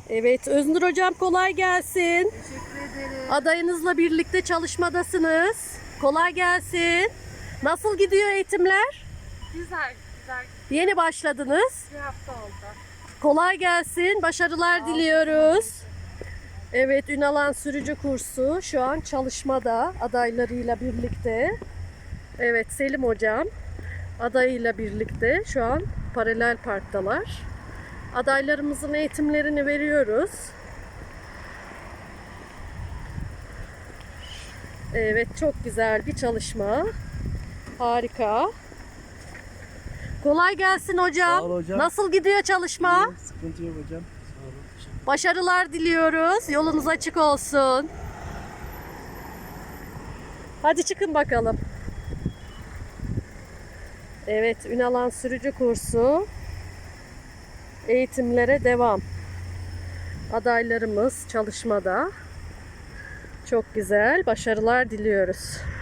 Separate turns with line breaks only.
Evet, Öznur hocam kolay gelsin.
Teşekkür ederim.
Adayınızla birlikte çalışmadasınız. Kolay gelsin. Nasıl gidiyor eğitimler?
Güzel.
Yeni başladınız.
Bir hafta oldu.
Kolay gelsin. Başarılar diliyoruz. Evet, Ünalan sürücü kursu şu an çalışmada adaylarıyla birlikte. Evet, Selim hocam adayıyla birlikte şu an paralel parktalar. Adaylarımızın eğitimlerini veriyoruz. Evet, çok güzel bir çalışma. Harika. Kolay gelsin hocam.
Sağ ol hocam.
Nasıl gidiyor çalışma?
İyi, sıkıntı yok hocam. Sağ olun. Teşekkür
Başarılar diliyoruz. Yolunuz açık olsun. Hadi çıkın bakalım. Evet, Ünalan sürücü kursu eğitimlere devam. Adaylarımız çalışmada. Çok güzel. Başarılar diliyoruz.